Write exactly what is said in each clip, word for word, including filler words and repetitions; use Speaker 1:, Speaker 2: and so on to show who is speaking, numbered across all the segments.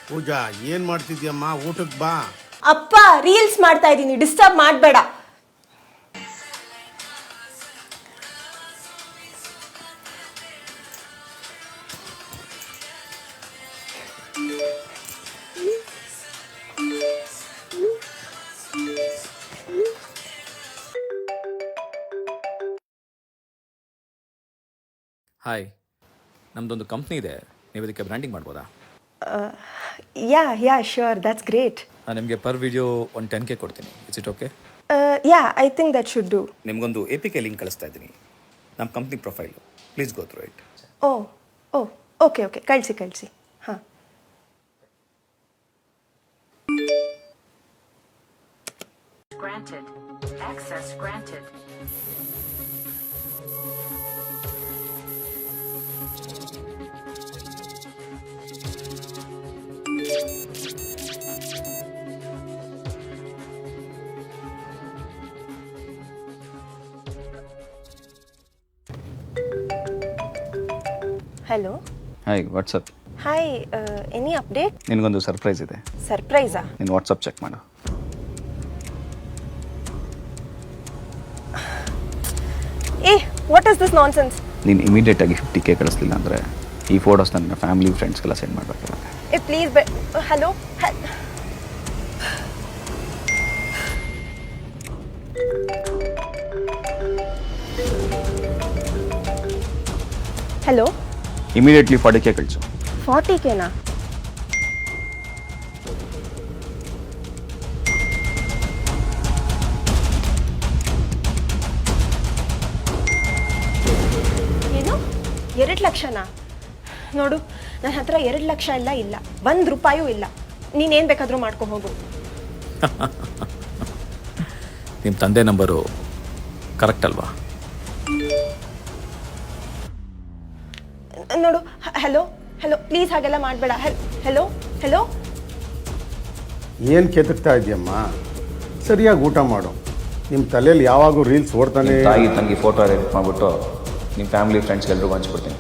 Speaker 1: ಪೂಜಾ ಏನ್ ಮಾಡ್ತಿದ್ಯಮ್ಮ? ಊಟಕ್ಕೆ ಬಾ.
Speaker 2: ಅಪ್ಪ ರೀಲ್ಸ್ ಮಾಡ್ತಾ ಇದ್ದೀನಿ, ಡಿಸ್ಟರ್ಬ್ ಮಾಡಬೇಡ.
Speaker 3: ಹಾಯ್, ನಮ್ಮದೊಂದು ಕಂಪ್ನಿ ಇದೆ, ನೀವು ಇದಕ್ಕೆ ಬ್ರ್ಯಾಂಡಿಂಗ್ ಮಾಡ್ಬೋದಾ?
Speaker 2: Yeah yeah sure, that's great.
Speaker 3: ನಾನು ನಿಮಗೆ ಪರ್ ವಿಡಿಯೋ ಒಂದು ಟೆನ್ ಕೆ ಕೊಡ್ತೀನಿ. It's it okay?
Speaker 2: Yeah, I think that should do.
Speaker 3: ನಿಮಗೊಂದು ಎ ಪಿ ಕೆ ಲಿಂಕ್ ಕಳಿಸ್ತಾ ಇದ್ದೀನಿ, ನಮ್ಮ company profile. Please go through it.
Speaker 2: Oh oh okay okay, ಕಳಿಸಿ ಕಳಿಸಿ. ಹಾಂ,
Speaker 4: Granted. Access granted.
Speaker 2: Hello.
Speaker 5: Hi, what's up.
Speaker 2: Hi, any update?
Speaker 5: ನಿನಗೊಂದು surprise ಇದೆ.
Speaker 2: ಸರ್ಪ್ರೈಸಾ?
Speaker 5: ನೀನು ವಾಟ್ಸಪ್ ಚೆಕ್ ಮಾಡು.
Speaker 2: ಏ, ವಾಟ್ ಇಸ್ ದಿಸ್ ನಾನ್ಸೆನ್ಸ್?
Speaker 5: ನೀನು ಇಮಿಡಿಯೇಟಾಗಿ ಫಿಫ್ಟಿ ಕೆ ಕಳಿಸ್ಲಿಲ್ಲ ಅಂದರೆ ಈ ಫೋಟೋಸ್ ನನ್ನ ಫ್ಯಾಮಿಲಿ ಫ್ರೆಂಡ್ಸ್ಗೆಲ್ಲ ಸೆಂಡ್ ಮಾಡಬೇಕಲ್ಲ.
Speaker 2: ಏ ಪ್ಲೀಸ್ ಬೆ hello hello.
Speaker 5: Immediately forty K ಕಳಿಸು.
Speaker 2: ಫಾರ್ಟಿ ಕೆನಾ? ಏನು, ಎರಡು ಲಕ್ಷನಾ? ನೋಡು, ನನ್ನ ಹತ್ರ ಎರಡು ಲಕ್ಷ ಎಲ್ಲ ಇಲ್ಲ, ಒಂದು ರೂಪಾಯೂ ಇಲ್ಲ. ನೀನೇನು ಬೇಕಾದರೂ ಮಾಡ್ಕೊ ಹೋಗು.
Speaker 3: ನಿಮ್ಮ ತಂದೆ ನಂಬರು ಕರೆಕ್ಟ್ ಅಲ್ವಾ?
Speaker 2: ನೋಡು, ಹಲೋ ಹಲೋ, ಪ್ಲೀಸ್ ಹಾಗೆಲ್ಲ ಮಾಡಬೇಡ. Hello hello.
Speaker 1: ಏನ್ ಕೆದಕ್ತಾ ಇದೆಯಮ್ಮ? ಸರಿಯಾಗಿ ಊಟ ಮಾಡು. ನಿಮ್ಮ ತಲೆಯಲ್ಲಿ ಯಾವಾಗೂ ರೀಲ್ಸ್ ಓಡ್ತಾನೆ.
Speaker 5: ತಾಯಿ ತಂಗಿ ಫೋಟೋ ಎಡಿಟ್ ಮಾಡಿಬಿಟ್ಟು ನಿಮ್ಮ ಫ್ಯಾಮಿಲಿ ಫ್ರೆಂಡ್ಸ್ಗೆ ಎಲ್ರಿಗೂ ಹಂಚ್ಬಿಡ್ತೀನಿ.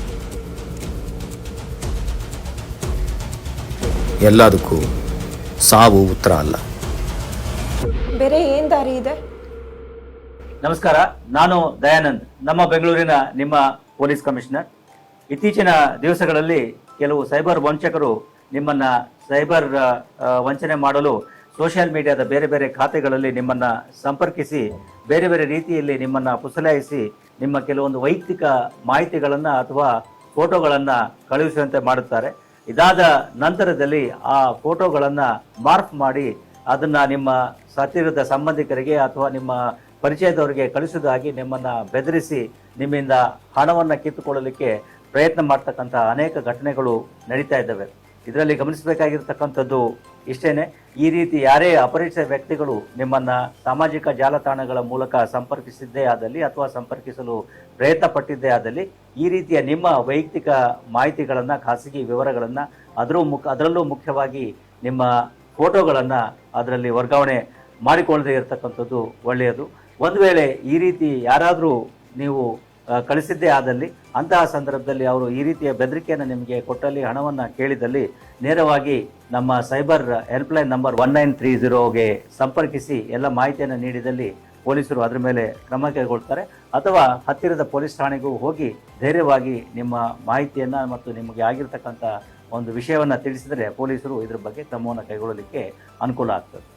Speaker 3: ಎಲ್ಲದಕ್ಕೂ ಸಾವು ಉತ್ತರ ಅಲ್ಲ.
Speaker 2: ಬೇರೆ ಏನು ದಾರಿ ಇದೆ?
Speaker 6: ನಮಸ್ಕಾರ, ನಾನು ದಯಾನಂದ್, ನಮ್ಮ ಬೆಂಗಳೂರಿನ ನಿಮ್ಮ ಪೊಲೀಸ್ ಕಮಿಷನರ್. ಇತ್ತೀಚಿನ ದಿವಸಗಳಲ್ಲಿ ಕೆಲವು ಸೈಬರ್ ವಂಚಕರು ನಿಮ್ಮನ್ನ ಸೈಬರ್ ವಂಚನೆ ಮಾಡಲು ಸೋಷಿಯಲ್ ಮೀಡಿಯಾದ ಬೇರೆ ಬೇರೆ ಖಾತೆಗಳಲ್ಲಿ ನಿಮ್ಮನ್ನ ಸಂಪರ್ಕಿಸಿ ಬೇರೆ ಬೇರೆ ರೀತಿಯಲ್ಲಿ ನಿಮ್ಮನ್ನ ಪುಸಲಾಯಿಸಿ ನಿಮ್ಮ ಕೆಲವೊಂದು ವೈಯಕ್ತಿಕ ಮಾಹಿತಿಗಳನ್ನ ಅಥವಾ ಫೋಟೋಗಳನ್ನ ಕಳುಹಿಸುವಂತೆ ಮಾಡುತ್ತಾರೆ. ಇದಾದ ನಂತರದಲ್ಲಿ ಆ ಫೋಟೋಗಳನ್ನ ಮಾರ್ಫ್ ಮಾಡಿ ಅದನ್ನ ನಿಮ್ಮ ಹತ್ತಿರದ ಸಂಬಂಧಿಕರಿಗೆ ಅಥವಾ ನಿಮ್ಮ ಪರಿಚಯದವರಿಗೆ ಕಳಿಸುವುದಾಗಿ ನಿಮ್ಮನ್ನ ಬೆದರಿಸಿ ನಿಮ್ಮಿಂದ ಹಣವನ್ನು ಕಿತ್ತುಕೊಳ್ಳಲಿಕ್ಕೆ ಪ್ರಯತ್ನ ಮಾಡ್ತಕ್ಕಂಥ ಅನೇಕ ಘಟನೆಗಳು ನಡೀತಾ ಇದ್ದಾವೆ. ಇದರಲ್ಲಿ ಗಮನಿಸಬೇಕಾಗಿರ್ತಕ್ಕಂಥದ್ದು ಇಷ್ಟೇನೆ, ಈ ರೀತಿ ಯಾರೇ ಅಪರಿಚಿತ ವ್ಯಕ್ತಿಗಳು ನಿಮ್ಮನ್ನ ಸಾಮಾಜಿಕ ಜಾಲತಾಣಗಳ ಮೂಲಕ ಸಂಪರ್ಕಿಸಿದ್ದೇ ಆದಲ್ಲಿ ಅಥವಾ ಸಂಪರ್ಕಿಸಲು ಪ್ರಯತ್ನ ಪಟ್ಟಿದ್ದೇ ಆದಲ್ಲಿ ಈ ರೀತಿಯ ನಿಮ್ಮ ವೈಯಕ್ತಿಕ ಮಾಹಿತಿಗಳನ್ನು, ಖಾಸಗಿ ವಿವರಗಳನ್ನು, ಅದರ ಮುಖ ಅದರಲ್ಲೂ ಮುಖ್ಯವಾಗಿ ನಿಮ್ಮ ಫೋಟೋಗಳನ್ನು ಅದರಲ್ಲಿ ವರ್ಗಾವಣೆ ಮಾಡಿಕೊಳ್ಳದೇ ಇರತಕ್ಕಂಥದ್ದು ಒಳ್ಳೆಯದು. ಒಂದು ವೇಳೆ ಈ ರೀತಿ ಯಾರಾದರೂ ನೀವು ಕಳಿಸಿದ್ದೇ ಆದಲ್ಲಿ ಅಂತಹ ಸಂದರ್ಭದಲ್ಲಿ ಅವರು ಈ ರೀತಿಯ ಬೆದರಿಕೆಯನ್ನು ನಿಮಗೆ ಕೊಟ್ಟಲ್ಲಿ, ಹಣವನ್ನು ಕೇಳಿದಲ್ಲಿ ನೇರವಾಗಿ ನಮ್ಮ cyber helpline number one nine three ಜೀರೋಗೆ ಸಂಪರ್ಕಿಸಿ ಎಲ್ಲ ಮಾಹಿತಿಯನ್ನು ನೀಡಿದಲ್ಲಿ ಪೊಲೀಸರು ಅದರ ಮೇಲೆ ಕ್ರಮ ಕೈಗೊಳ್ತಾರೆ. ಅಥವಾ ಹತ್ತಿರದ ಪೊಲೀಸ್ ಠಾಣೆಗೂ ಹೋಗಿ ಧೈರ್ಯವಾಗಿ ನಿಮ್ಮ ಮಾಹಿತಿಯನ್ನು ಮತ್ತು ನಿಮಗೆ ಆಗಿರ್ತಕ್ಕಂಥ ಒಂದು ವಿಷಯವನ್ನು ತಿಳಿಸಿದರೆ ಪೊಲೀಸರು ಇದ್ರ ಬಗ್ಗೆ ಕ್ರಮವನ್ನು ಕೈಗೊಳ್ಳಲಿಕ್ಕೆ ಅನುಕೂಲ ಆಗ್ತದೆ.